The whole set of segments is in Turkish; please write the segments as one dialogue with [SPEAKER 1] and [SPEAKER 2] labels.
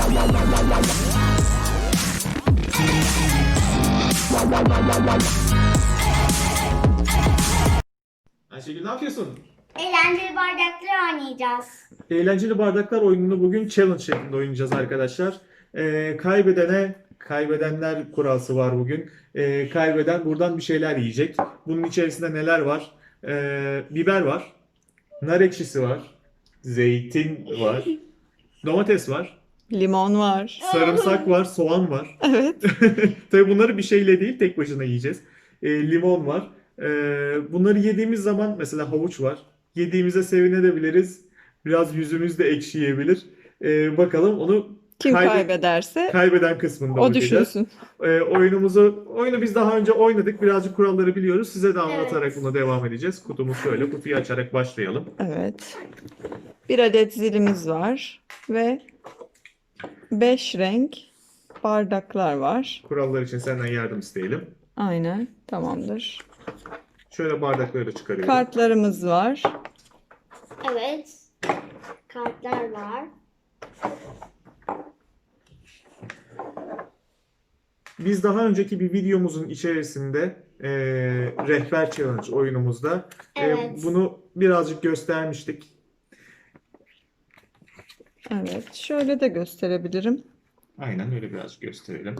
[SPEAKER 1] Ayşegül ne yapıyorsun?
[SPEAKER 2] Eğlenceli bardaklar oynayacağız.
[SPEAKER 1] Eğlenceli bardaklar oyununu bugün challenge şeklinde oynayacağız arkadaşlar. Kaybedenler kurası var bugün. Kaybeden buradan bir şeyler yiyecek. Bunun içerisinde neler var? Biber var, nar ekşisi var, zeytin var, domates var,
[SPEAKER 3] Limon var.
[SPEAKER 1] sarımsak var, soğan var.
[SPEAKER 3] Evet.
[SPEAKER 1] Tabii bunları bir şeyle değil tek başına yiyeceğiz. Limon var. Bunları yediğimiz zaman mesela havuç var. Yediğimize sevinebiliriz. Biraz yüzümüz de ekşiyebilir. Bakalım onu
[SPEAKER 3] Kim kaybederse
[SPEAKER 1] kaybeden kısmında
[SPEAKER 3] o
[SPEAKER 1] bakacağız.
[SPEAKER 3] düşünsün.
[SPEAKER 1] Oyunu biz daha önce oynadık. Birazcık kuralları biliyoruz. Size de anlatarak
[SPEAKER 2] Evet.
[SPEAKER 1] buna devam edeceğiz. Kutumuz şöyle. Kutuyu açarak başlayalım.
[SPEAKER 3] Evet. Bir adet zilimiz var ve 5 renk bardaklar var.
[SPEAKER 1] Kurallar için senden yardım isteyelim.
[SPEAKER 3] Aynen. Tamamdır.
[SPEAKER 1] Şöyle bardakları çıkarıyorum.
[SPEAKER 3] Kartlarımız var.
[SPEAKER 2] Evet. Kartlar var.
[SPEAKER 1] Biz daha önceki bir videomuzun içerisinde rehber challenge oyunumuzda
[SPEAKER 2] Evet.
[SPEAKER 1] bunu birazcık göstermiştik.
[SPEAKER 3] Evet. Şöyle de gösterebilirim.
[SPEAKER 1] Aynen öyle birazcık gösterelim.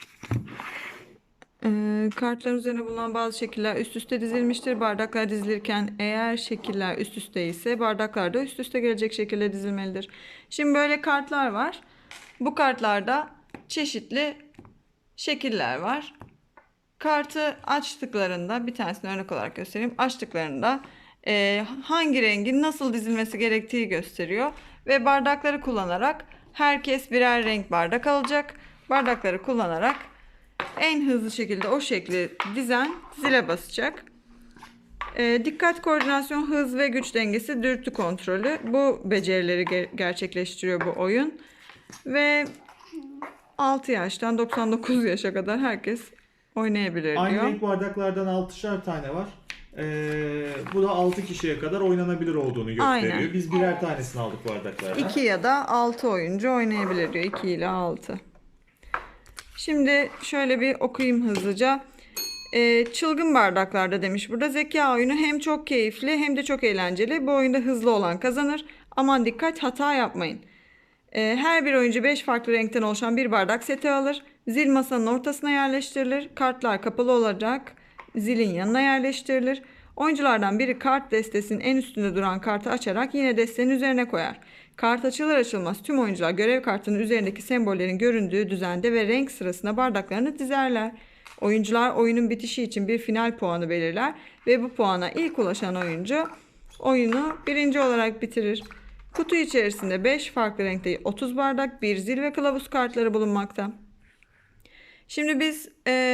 [SPEAKER 3] Kartların üzerine bulunan bazı şekiller üst üste dizilmiştir. Bardaklar dizilirken eğer şekiller üst üste ise bardaklar da üst üste gelecek şekilde dizilmelidir. Şimdi böyle kartlar var. Bu kartlarda çeşitli şekiller var. Kartı açtıklarında bir tanesini örnek olarak göstereyim. Açtıklarında hangi rengin nasıl dizilmesi gerektiği gösteriyor. Ve bardakları kullanarak herkes birer renk bardak alacak. Bardakları kullanarak en hızlı şekilde o şekli dizen zile basacak. Dikkat, koordinasyon, hız ve güç dengesi, dürtü kontrolü. Bu becerileri gerçekleştiriyor bu oyun. Ve 6 yaştan 99 yaşa kadar herkes oynayabilir
[SPEAKER 1] Aynı
[SPEAKER 3] diyor.
[SPEAKER 1] renk bardaklardan 6'şer tane var. Bu da 6 kişiye kadar oynanabilir olduğunu gösteriyor.
[SPEAKER 3] Aynen.
[SPEAKER 1] Biz birer tanesini aldık bardaklardan.
[SPEAKER 3] 2 ya da 6 oyuncu oynayabilir diyor. 2 ile 6. Şimdi şöyle bir okuyayım hızlıca. Çılgın bardaklarda demiş burada. Zeka oyunu hem çok keyifli hem de çok eğlenceli. Bu oyunda hızlı olan kazanır. Aman dikkat, hata yapmayın. Her bir oyuncu 5 farklı renkten oluşan bir bardak seti alır. Zil masanın ortasına yerleştirilir. Kartlar kapalı olacak. Zilin yanına yerleştirilir. Oyunculardan biri kart destesinin en üstünde duran kartı açarak yine destenin üzerine koyar. Kart açılır açılmaz tüm oyuncular görev kartının üzerindeki sembollerin göründüğü düzende ve renk sırasına bardaklarını dizerler. Oyuncular oyunun bitişi için bir final puanı belirler ve bu puana ilk ulaşan oyuncu oyunu birinci olarak bitirir. Kutu içerisinde 5 farklı renkte 30 bardak, bir zil ve kılavuz kartları bulunmakta. Şimdi biz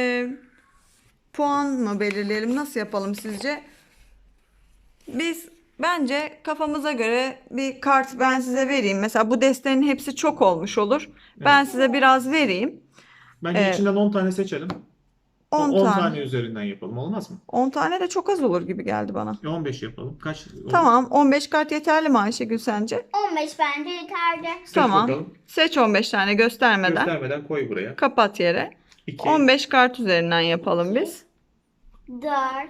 [SPEAKER 3] puan mı belirleyelim? Nasıl yapalım sizce? Biz bence kafamıza göre bir kart ben size vereyim. Mesela bu destenin hepsi çok olmuş olur. Ben size biraz vereyim.
[SPEAKER 1] Bence içinden 10 tane seçelim.
[SPEAKER 3] 10
[SPEAKER 1] 10
[SPEAKER 3] tane.
[SPEAKER 1] tane üzerinden yapalım. Olmaz mı?
[SPEAKER 3] 10 tane de çok az olur gibi geldi bana.
[SPEAKER 1] 15 yapalım. Kaç olur?
[SPEAKER 3] Tamam, 15 kart yeterli mi Ayşegül sence?
[SPEAKER 2] 15 bence yeterli.
[SPEAKER 1] Seç
[SPEAKER 3] Tamam.
[SPEAKER 1] bakalım.
[SPEAKER 3] Seç 15 tane göstermeden.
[SPEAKER 1] Göstermeden koy buraya.
[SPEAKER 3] Kapat yere.
[SPEAKER 1] 2,
[SPEAKER 3] 15 kart üzerinden yapalım biz.
[SPEAKER 2] 4,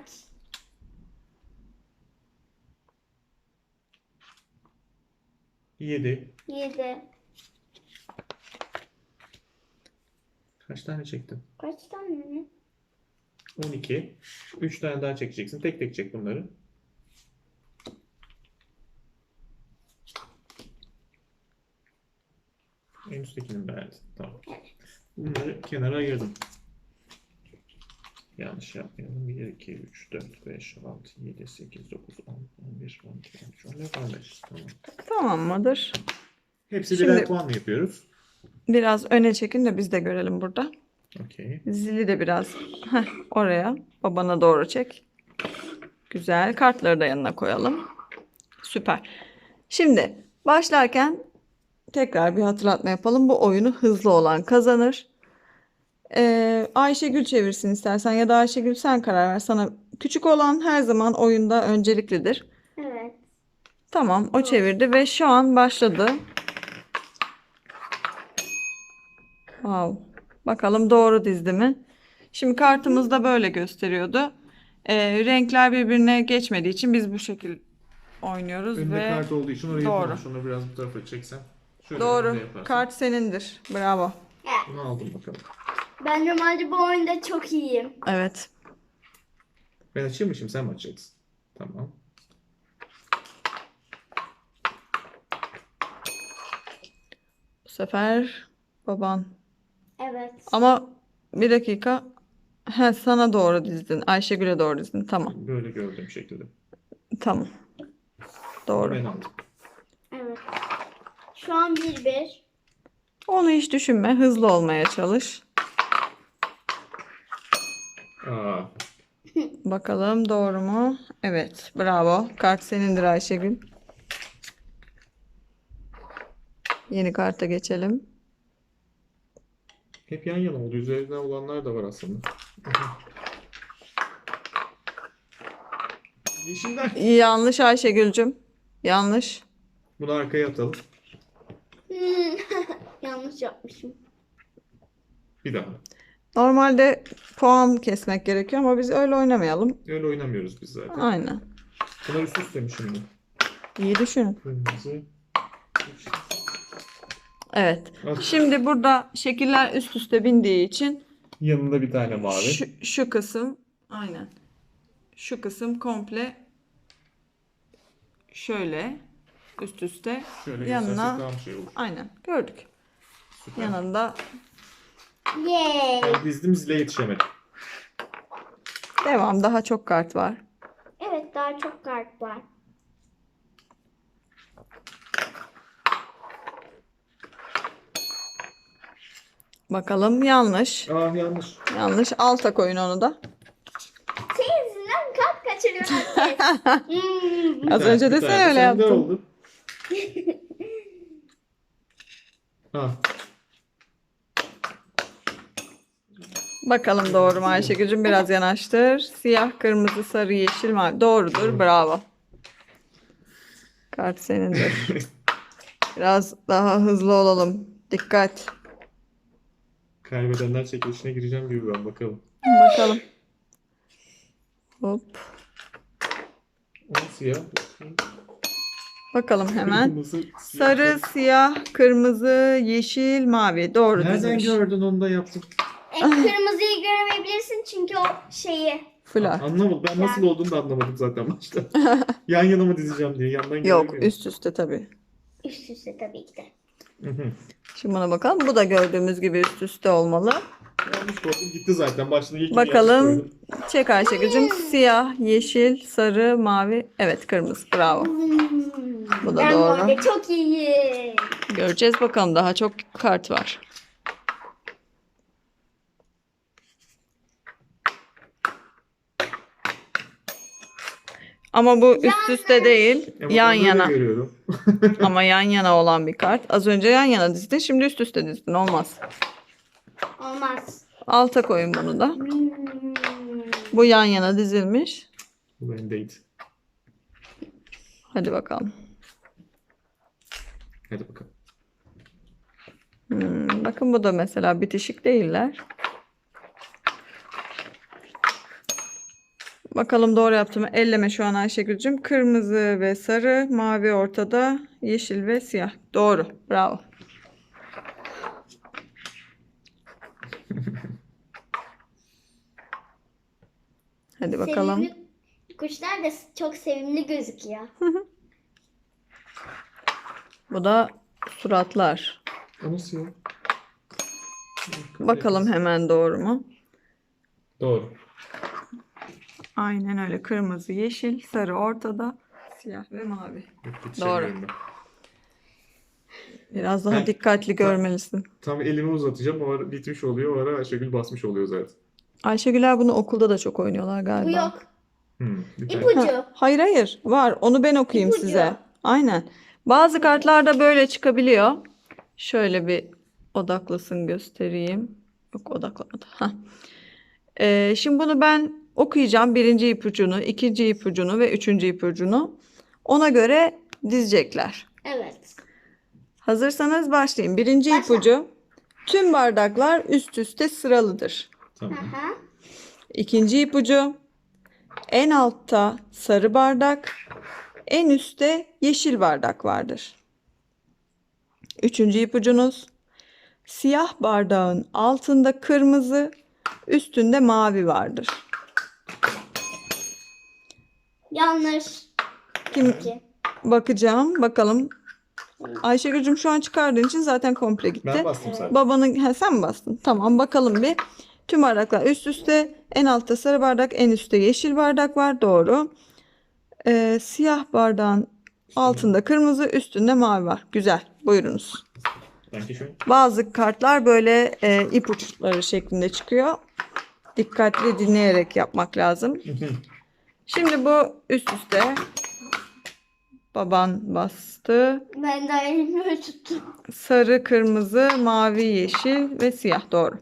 [SPEAKER 1] 7.
[SPEAKER 2] 7.
[SPEAKER 1] Kaç tane çektin?
[SPEAKER 2] Kaç tane?
[SPEAKER 1] 12. 3 tane daha çekeceksin. Tek tek çek bunları. En üsttekini beğendin. Tamam. Bunları kenara ayırdım. Yanlış yapmayalım. 1, 2, 3, 4, 5, 6, 7, 8, 9, 10, 11, 12, 13, 14, 15. Tamam.
[SPEAKER 3] Tamam mıdır?
[SPEAKER 1] Hepsi
[SPEAKER 3] Şimdi-
[SPEAKER 1] birer puanla yapıyoruz.
[SPEAKER 3] Biraz öne çekin de biz de görelim burada.
[SPEAKER 1] Okey.
[SPEAKER 3] Zili de biraz oraya babana doğru çek. Güzel. Kartları da yanına koyalım. Süper. Şimdi başlarken tekrar bir hatırlatma yapalım. Bu oyunu hızlı olan kazanır. Ayşegül çevirsin istersen ya da Ayşegül sen karar ver. Sana küçük olan her zaman oyunda önceliklidir.
[SPEAKER 2] Evet.
[SPEAKER 3] Tamam, o çevirdi ve şu an başladı. Wow. Bakalım doğru dizdi mi? Şimdi kartımızda böyle gösteriyordu. Renkler birbirine geçmediği için biz bu şekil oynuyoruz
[SPEAKER 1] Önünde
[SPEAKER 3] ve
[SPEAKER 1] kart olduğu için orayı
[SPEAKER 3] doğru.
[SPEAKER 1] yapamam. Şunu biraz bu tarafa çeksen. Şöyle
[SPEAKER 3] Doğru.
[SPEAKER 1] önünde yaparsan.
[SPEAKER 3] Kart senindir. Bravo.
[SPEAKER 1] Bunu aldım bakalım.
[SPEAKER 2] Ben normalde bu oyunda çok iyiyim.
[SPEAKER 3] Evet.
[SPEAKER 1] Ben açayım mı şimdi, sen mi açacaksın? Tamam.
[SPEAKER 3] Bu sefer baban.
[SPEAKER 2] Evet.
[SPEAKER 3] Ama bir dakika. He, sana doğru dizdin. Ayşegül'e doğru dizdin. Tamam.
[SPEAKER 1] Böyle gördüğüm şekilde.
[SPEAKER 3] Tamam. Doğru.
[SPEAKER 1] Ben aldım.
[SPEAKER 2] Evet. Şu an 1-1.
[SPEAKER 3] Onu hiç düşünme. Hızlı olmaya çalış.
[SPEAKER 1] Aa,
[SPEAKER 3] Bakalım doğru mu? Evet. Bravo. Kart senindir Ayşegül. Yeni karta geçelim.
[SPEAKER 1] hep yan yana oldu. Üzerinde olanlar da var aslında. Yeşiller.
[SPEAKER 3] Yanlış Ayşegül'cüm. Yanlış.
[SPEAKER 1] Bunu arkaya atalım.
[SPEAKER 2] Yanlış yapmışım.
[SPEAKER 1] Bir daha.
[SPEAKER 3] Normalde puan kesmek gerekiyor ama biz öyle oynamayalım.
[SPEAKER 1] Öyle oynamıyoruz biz zaten.
[SPEAKER 3] Aynen.
[SPEAKER 1] Bunlar üst üste mi şimdi?
[SPEAKER 3] İyi düşün.
[SPEAKER 1] Kırmızı. yeşil.
[SPEAKER 3] Evet.
[SPEAKER 1] Ah.
[SPEAKER 3] Şimdi burada şekiller üst üste bindiği için
[SPEAKER 1] Yanında bir tane mavi.
[SPEAKER 3] şu kısım aynen. Şu kısım komple şöyle üst üste
[SPEAKER 1] Şöyle
[SPEAKER 3] yanına
[SPEAKER 1] göstersek daha şey olur.
[SPEAKER 3] aynen gördük.
[SPEAKER 1] Süper.
[SPEAKER 3] Yanında
[SPEAKER 2] Yay.
[SPEAKER 1] Ben dizdim, zile yetişemedim.
[SPEAKER 3] devam, daha çok kart var.
[SPEAKER 2] Evet, daha çok kart var.
[SPEAKER 3] Bakalım yanlış.
[SPEAKER 1] Ah, yanlış.
[SPEAKER 3] Yanlış. Alta koyun onu da.
[SPEAKER 2] Senin yüzünden kart kaçırıyorum herkes.
[SPEAKER 3] Az önce de
[SPEAKER 1] Bir
[SPEAKER 3] sen
[SPEAKER 1] tane
[SPEAKER 3] öyle
[SPEAKER 1] sende
[SPEAKER 3] yaptın.
[SPEAKER 1] oldu. Ah,
[SPEAKER 3] Bakalım doğru mu Ayşegül'cüm? Biraz yanaştır. Siyah, kırmızı, sarı, yeşil, mavi. Doğrudur. Bravo. Kart senindir. Biraz daha hızlı olalım. Dikkat.
[SPEAKER 1] kaybedenler çekilişine gireceğim gibi ben, bakalım.
[SPEAKER 3] Bakalım. Hop.
[SPEAKER 1] O siyah.
[SPEAKER 3] Bakalım hemen.
[SPEAKER 1] Kırmızı, siyah.
[SPEAKER 3] Sarı, siyah, kırmızı, yeşil, mavi. Doğru
[SPEAKER 1] Nereden
[SPEAKER 3] dizmiş.
[SPEAKER 1] gördün, onu da yaptın.
[SPEAKER 2] Kırmızıyı göremeyebilirsin çünkü o şeyi.
[SPEAKER 3] Flör.
[SPEAKER 1] Anlamadım. Ben nasıl olduğunu da anlamadım zaten başta. Yan yana mı dizeceğim diye. Yandan
[SPEAKER 3] Yok,
[SPEAKER 1] göremiyorum.
[SPEAKER 3] üst üste tabii.
[SPEAKER 2] Üst üste tabii ki de.
[SPEAKER 1] Hı hı.
[SPEAKER 3] Şimdi buna bakalım. Bu da gördüğümüz gibi üst üste olmalı.
[SPEAKER 1] Yanlış koydum, gitti zaten. Başta ilk
[SPEAKER 3] Bakalım. Çek Ayşegül'cüm. Siyah, yeşil, sarı, mavi. Evet, kırmızı. Bravo. Bu da
[SPEAKER 2] Ben bu
[SPEAKER 3] doğru.
[SPEAKER 2] arada çok iyiyim.
[SPEAKER 3] Göreceğiz bakalım. Daha çok kart var. Ama bu üst üste değil. Yan yana.
[SPEAKER 1] Görüyorum.
[SPEAKER 3] Ama yan yana olan bir kart. Az önce yan yana dizdin. Şimdi üst üste dizdin. Olmaz.
[SPEAKER 2] Olmaz.
[SPEAKER 3] Alta koyun bunu da. Bu yan yana dizilmiş.
[SPEAKER 1] Bu bendeydi.
[SPEAKER 3] Hadi bakalım.
[SPEAKER 1] Hadi bakalım.
[SPEAKER 3] Bakın bu da mesela bitişik değiller. Bakalım doğru yaptım mı? Elleme şu an Ayşegül'cüm. Kırmızı ve sarı, mavi ortada, yeşil ve siyah. Doğru. Bravo. Hadi bakalım.
[SPEAKER 2] Sevimli kuşlar da çok sevimli gözüküyor.
[SPEAKER 3] Bu da suratlar.
[SPEAKER 1] O nasıl ya?
[SPEAKER 3] Bakalım hemen doğru mu?
[SPEAKER 1] Doğru.
[SPEAKER 3] Aynen öyle. Kırmızı, yeşil, sarı ortada, siyah ve mavi.
[SPEAKER 1] Yetişemiyorum ben.
[SPEAKER 3] Biraz daha
[SPEAKER 1] Ben-
[SPEAKER 3] dikkatli görmelisin.
[SPEAKER 1] Tam elimi uzatacağım. O ara bitmiş oluyor. O ara Ayşegül basmış oluyor zaten.
[SPEAKER 3] Ayşegüler bunu okulda da çok oynuyorlar
[SPEAKER 2] Bu
[SPEAKER 3] galiba.
[SPEAKER 2] yok.
[SPEAKER 1] Bir tane.
[SPEAKER 2] İpucu.
[SPEAKER 3] Hayır hayır var. Onu ben okuyayım
[SPEAKER 2] İpucu.
[SPEAKER 3] size. Aynen. Bazı kartlarda böyle çıkabiliyor. Şöyle bir odaklasın göstereyim. Yok odaklamadı. Hah. Şimdi bunu ben okuyacağım. Birinci ipucunu, ikinci ipucunu ve üçüncü ipucunu. Ona göre dizecekler.
[SPEAKER 2] Evet.
[SPEAKER 3] Hazırsanız başlayayım. Birinci
[SPEAKER 2] Başla.
[SPEAKER 3] ipucu Tüm bardaklar üst üste sıralıdır.
[SPEAKER 1] Tamam.
[SPEAKER 2] Aha.
[SPEAKER 3] İkinci ipucu. En altta sarı bardak, en üstte yeşil bardak vardır. Üçüncü ipucunuz. Siyah bardağın altında kırmızı, üstünde mavi vardır.
[SPEAKER 2] Yanlış.
[SPEAKER 3] Kim
[SPEAKER 2] İki.
[SPEAKER 3] bakacağım, bakalım. Ayşegül'cüm şu an çıkardığın için zaten komple gitti.
[SPEAKER 1] Ben bastım zaten.
[SPEAKER 3] Babanın, sen mi bastın? Tamam, bakalım bir. Tüm bardaklar üst üste, en altta sarı bardak, en üstte yeşil bardak var. Doğru. Siyah bardağın altında kırmızı, üstünde mavi var. Güzel. Buyurunuz.
[SPEAKER 1] Sanki şu.
[SPEAKER 3] Bazı kartlar böyle ipuçları şeklinde çıkıyor. Dikkatli dinleyerek yapmak lazım. Şimdi bu üst üste. Baban bastı.
[SPEAKER 2] Ben de elimi böyle tuttum.
[SPEAKER 3] Sarı, kırmızı, mavi, yeşil ve siyah. Doğru.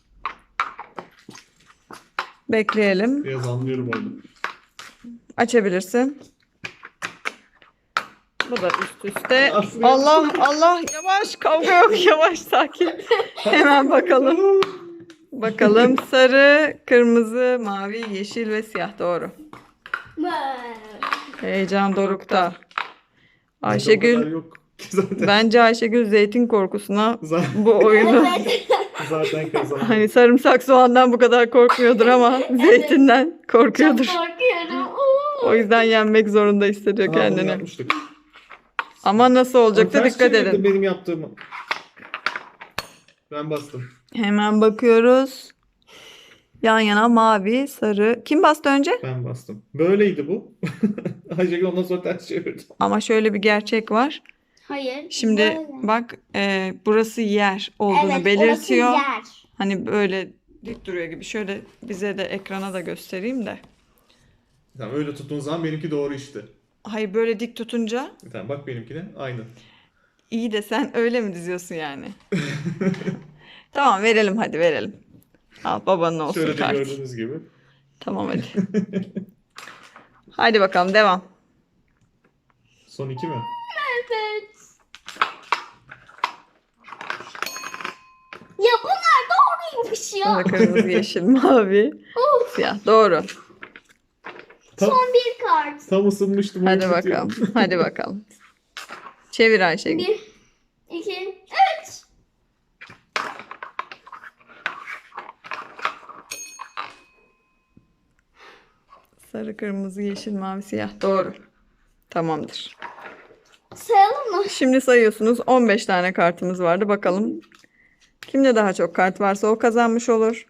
[SPEAKER 3] Bekleyelim.
[SPEAKER 1] Biraz anlıyorum orada.
[SPEAKER 3] Açabilirsin. Bu da üst üste.
[SPEAKER 1] Aslında-
[SPEAKER 3] Allah Allah, yavaş, kavga yok, yavaş, sakin. Hemen bakalım. Bakalım, sarı, kırmızı, mavi, yeşil ve siyah. Doğru. Heyecan dorukta.
[SPEAKER 1] O kadar
[SPEAKER 3] Ayşegül,
[SPEAKER 1] yok. Zaten,
[SPEAKER 3] bence Ayşegül zeytin korkusuna
[SPEAKER 1] zaten,
[SPEAKER 3] bu oyunu
[SPEAKER 2] Evet.
[SPEAKER 1] zaten kazandım.
[SPEAKER 3] hani sarımsak soğandan bu kadar korkmuyordur ama zeytinden
[SPEAKER 2] Çok
[SPEAKER 3] korkuyordur.
[SPEAKER 2] korkuyorum.
[SPEAKER 3] O yüzden yenmek zorunda hissediyor
[SPEAKER 1] Aa, bunu
[SPEAKER 3] kendini.
[SPEAKER 1] yapmıştık.
[SPEAKER 3] Ama nasıl olacak da
[SPEAKER 1] Ters
[SPEAKER 3] dikkat
[SPEAKER 1] çevirdi
[SPEAKER 3] edin.
[SPEAKER 1] benim yaptığımı. Ben bastım.
[SPEAKER 3] Hemen bakıyoruz. Yan yana mavi, sarı. Kim bastı önce?
[SPEAKER 1] Ben bastım. Böyleydi bu. Ayşegül ondan sonra ters çevirdi.
[SPEAKER 3] Ama şöyle bir gerçek var.
[SPEAKER 2] Hayır.
[SPEAKER 3] Şimdi
[SPEAKER 2] böyle.
[SPEAKER 3] bak, burası yer olduğunu
[SPEAKER 2] Evet,
[SPEAKER 3] belirtiyor.
[SPEAKER 2] orası yer.
[SPEAKER 3] Hani böyle dik duruyor gibi. Şöyle bize de ekrana da göstereyim de.
[SPEAKER 1] Tamam, öyle tuttuğun zaman benimki doğru işte.
[SPEAKER 3] Hayır, böyle dik tutunca
[SPEAKER 1] Tamam, bak benimki de aynı.
[SPEAKER 3] iyi de sen öyle mi diziyorsun yani? Tamam, verelim, hadi verelim. Al, babanın olsun
[SPEAKER 1] Şöyle de
[SPEAKER 3] kart.
[SPEAKER 1] gördüğünüz gibi.
[SPEAKER 3] Tamam, hadi. Hadi bakalım, devam.
[SPEAKER 1] Son iki mi?
[SPEAKER 2] Evet. Ya bunlar doğruymuş ya.
[SPEAKER 3] Sarı, kırmızı, yeşil, mavi, siyah. Doğru.
[SPEAKER 1] Tam,
[SPEAKER 2] Son bir kart.
[SPEAKER 1] tam ısınmıştım.
[SPEAKER 3] Hadi
[SPEAKER 1] oyun
[SPEAKER 3] bakalım.
[SPEAKER 1] bitiyor.
[SPEAKER 3] Hadi bakalım. Çevir Ayşegül.
[SPEAKER 2] Bir, iki, üç.
[SPEAKER 3] Sarı, kırmızı, yeşil, mavi, siyah. Doğru. Tamamdır.
[SPEAKER 2] Sayalım mı?
[SPEAKER 3] Şimdi sayıyorsunuz. 15 tane kartımız vardı. Bakalım. Kimde daha çok kart varsa o kazanmış olur.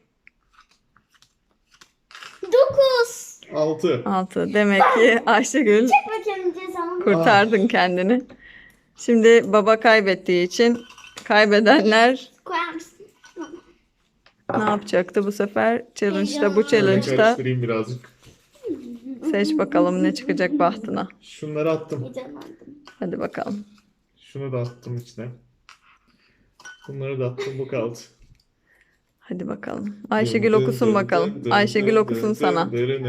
[SPEAKER 2] 9.
[SPEAKER 1] 6.
[SPEAKER 3] 6. Demek ki Ayşegül
[SPEAKER 2] Bakın cezamı.
[SPEAKER 3] kurtardın kendini. Şimdi baba kaybettiği için kaybedenler
[SPEAKER 2] Koyar mısın?
[SPEAKER 3] ne yapacaktı bu sefer? Challenge'da, bu
[SPEAKER 2] Heyecan.
[SPEAKER 3] challenge'da
[SPEAKER 1] Karıştırayım birazcık.
[SPEAKER 3] seç bakalım ne çıkacak bahtına.
[SPEAKER 1] Şunları attım.
[SPEAKER 2] Heyecanlandım.
[SPEAKER 3] Hadi bakalım.
[SPEAKER 1] Şunu da attım içine. Bunları da attım. Bu kaldı.
[SPEAKER 3] Hadi bakalım. Ayşegül okusun bakalım. Ayşegül okusun sana.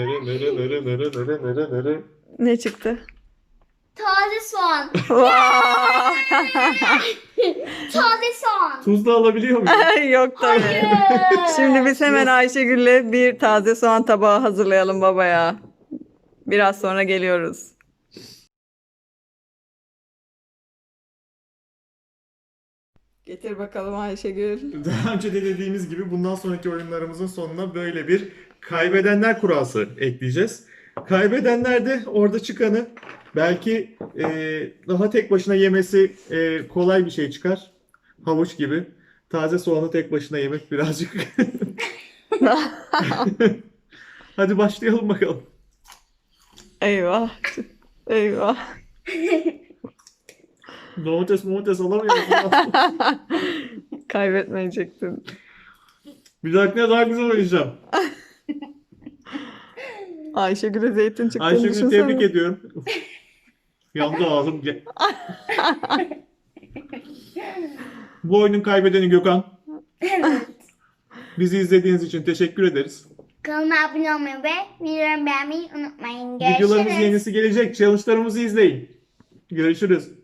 [SPEAKER 3] Ne çıktı?
[SPEAKER 2] Taze soğan.
[SPEAKER 3] Vay!
[SPEAKER 2] Taze soğan.
[SPEAKER 1] Tuz da alabiliyor muyum?
[SPEAKER 3] Yok tabii. Şimdi biz hemen Ayşegül'le bir taze soğan tabağı hazırlayalım babaya. Biraz sonra geliyoruz. Getir bakalım Ayşegül.
[SPEAKER 1] Daha önce de dediğimiz gibi bundan sonraki oyunlarımızın sonuna böyle bir kaybedenler kurası ekleyeceğiz. Kaybedenler de orada çıkanı belki daha tek başına yemesi kolay bir şey çıkar. Havuç gibi. Taze soğanı tek başına yemek birazcık. Hadi başlayalım bakalım.
[SPEAKER 3] Eyvah. Eyvah.
[SPEAKER 1] Domates alamıyorum.
[SPEAKER 3] Kaybetmeyecektin.
[SPEAKER 1] Bir dahakine daha güzel oynayacağım.
[SPEAKER 3] Ayşegül'e zeytin çıktığını
[SPEAKER 1] Ayşegül'ü
[SPEAKER 3] düşünsene.
[SPEAKER 1] tebrik ediyorum. Yandı ağzım. Bu oyunun kaybedeni Gökhan. Bizi izlediğiniz için teşekkür ederiz.
[SPEAKER 2] Kanalıma abone olmayı ve videolarımı beğenmeyi unutmayın.
[SPEAKER 1] Videolarımız
[SPEAKER 2] Görüşürüz.
[SPEAKER 1] yenisi gelecek. Challenge'larımızı izleyin. Görüşürüz.